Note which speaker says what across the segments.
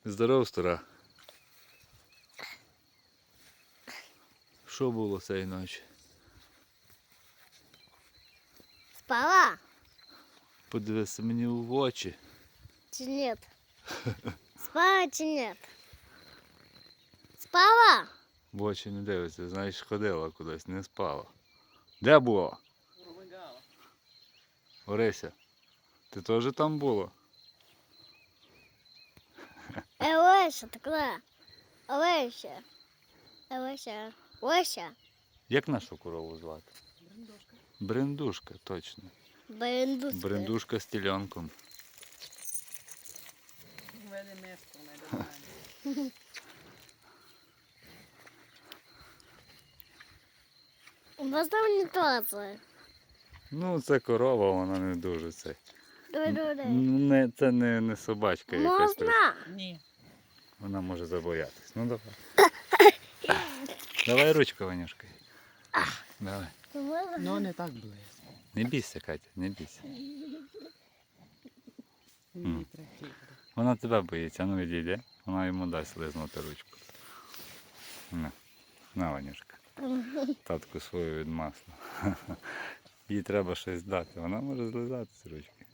Speaker 1: Здоров, стара. Що було цієї ночі?
Speaker 2: Спала?
Speaker 1: Подивися мені в очі.
Speaker 2: Чи нет? Спала чи нет? Спала?
Speaker 1: В очі не дивиться, знаєш, ходила кудись, не спала. Де була? Орися, ти теж там була?
Speaker 2: Олеся, такая. Олеся. Олеся. Олеся.
Speaker 1: Як нашу корову звати?
Speaker 3: Брендушка.
Speaker 1: Брендушка, точно.
Speaker 2: Брендушка.
Speaker 1: Брендушка з теленком.
Speaker 3: Vede mesco, ma è domani.
Speaker 2: У нас там не тоже.
Speaker 1: Ну, це корова, вона не дуже це.
Speaker 2: Дай.
Speaker 1: Це не собачка якась.
Speaker 2: Можна?
Speaker 3: Ні.
Speaker 1: Вона може забоятись. Ну давай. Давай ручку, Ванюшка. Давай.
Speaker 2: Можна?
Speaker 3: Ну, не так близько.
Speaker 1: Не бійся, Катя, не бійся.
Speaker 3: Ні, трохи.
Speaker 1: Вона тебе боїться, ну відійде. Вона йому дасть лизнути ручку. На, Ванюшка. Татку свою від масла. Їй треба щось дати. Вона може злизати з ручки.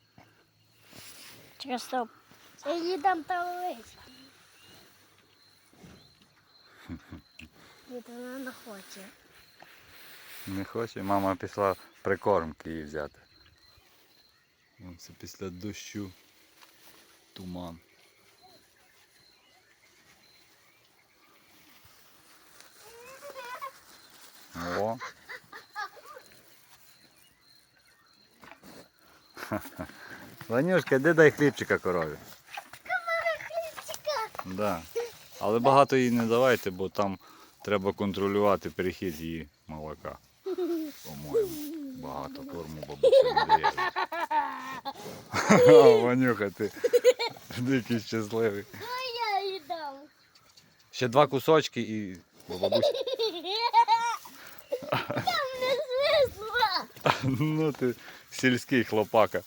Speaker 2: Чекай, стоп. Иди там Олеся. Нет, вона не хоче.
Speaker 1: Не хоче. Мама пішла прикормки їй взяти. Це після дощу туман. О. Ванюшка, де дай хлібчика корові? Да. Але багато їй не давайте, бо там треба контролювати перехід її молока. По-моєму, багато корму бабуся не дає. Ванюха, ти дикий щасливий.
Speaker 2: Я їй дам.
Speaker 1: Ще 2 кусочки і бабуся.
Speaker 2: Там не звісно.
Speaker 1: Ну ти сільський хлопака.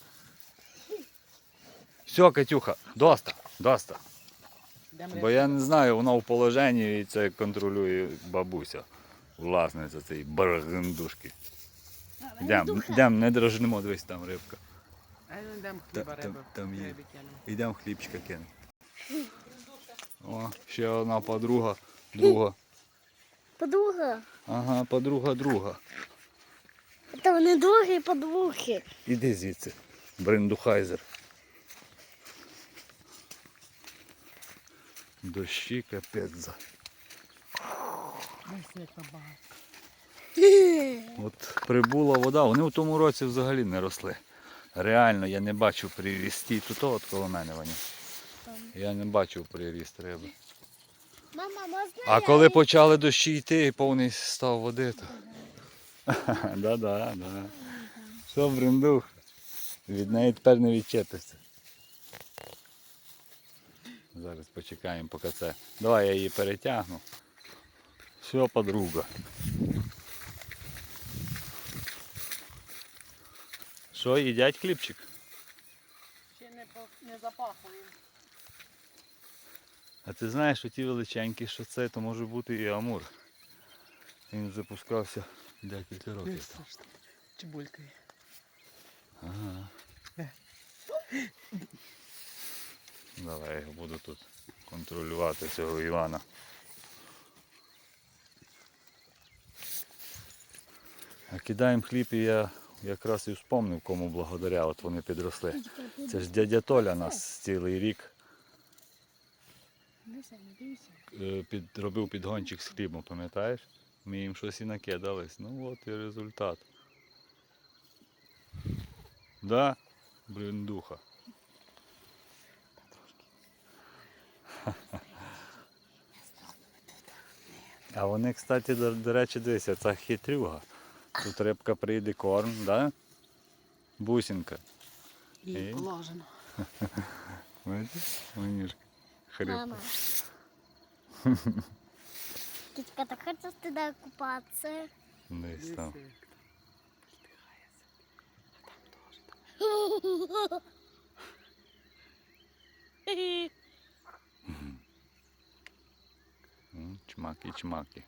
Speaker 1: Все, Катюха, доста. Бо я не знаю, вона в положенні і це контролює бабуся. Власниця цієї барагандушки. Йдемо, не дрожнемо, дивись, там рибка.
Speaker 3: А я не дам хліба риби.
Speaker 1: Там є.
Speaker 3: Риби кинемо.
Speaker 1: Йдемо хлібчика кинемо. О, ще одна подруга, друга.
Speaker 2: Подруга.
Speaker 1: Ага, подруга друга.
Speaker 2: Та вони другі подруги.
Speaker 1: Іди звідси, брендухайзер. Дощі капець.
Speaker 3: Ось як багато.
Speaker 1: От прибула вода, вони в тому році взагалі не росли. Реально, я не бачив прирісті. Тут от коло мене, Ваня. Я не бачив приріст риби.
Speaker 2: Мама, можна
Speaker 1: А коли почали дощі йти і повний став води, то... Да. Що, брендух? Від неї тепер не відчепишся. Зараз почекаємо, поки це... Давай я її перетягну. Все, подруга. Що, їдять хлібчик?
Speaker 3: Ще не запахуємо.
Speaker 1: А ти знаєш, що ті величенькі, що це, то може бути і амур. Він запускався декілька років. тому.
Speaker 3: Чебулькою.
Speaker 1: Ага. Давай я його буду тут контролювати, цього Івана. А кидаємо хліб і я якраз і вспомнив, кому благодаря, от вони підросли. Це ж дядя Толя нас цілий рік робив підгончик з хлібом, пам'ятаєш? Ми їм щось і накидались. Ну от і результат. Да, брендуха. А вони, кстати, до речі, дивися, це хитрюга. Тут рибка прийде, корм, да? Бусинка.
Speaker 3: І
Speaker 1: І?
Speaker 3: положено.
Speaker 1: Бачиш? Ванюшка. Хрипка.
Speaker 2: Мама. Китька, так хочешь туда купаться?
Speaker 1: Десь там. Чмаки-чмаки.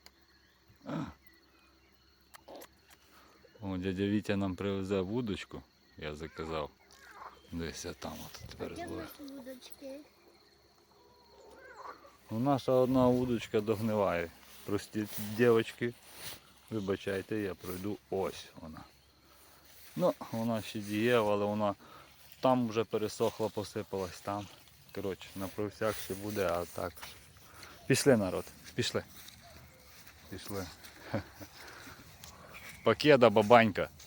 Speaker 1: О, дядя Вітя нам привезе вудочку, я заказав. Десь там от тепер
Speaker 2: Де
Speaker 1: зловив.
Speaker 2: наші вудочки?
Speaker 1: Ну, наша одна вудочка догниває. Прості дівчатки, вибачайте, я пройду. Ось вона. Ну, вона ще дієва, але вона там вже пересохла, посипалась там. Коротше, на провсяк ще буде, а так. Пішли, народ, пішли. Пішли. Покеда, бабанька.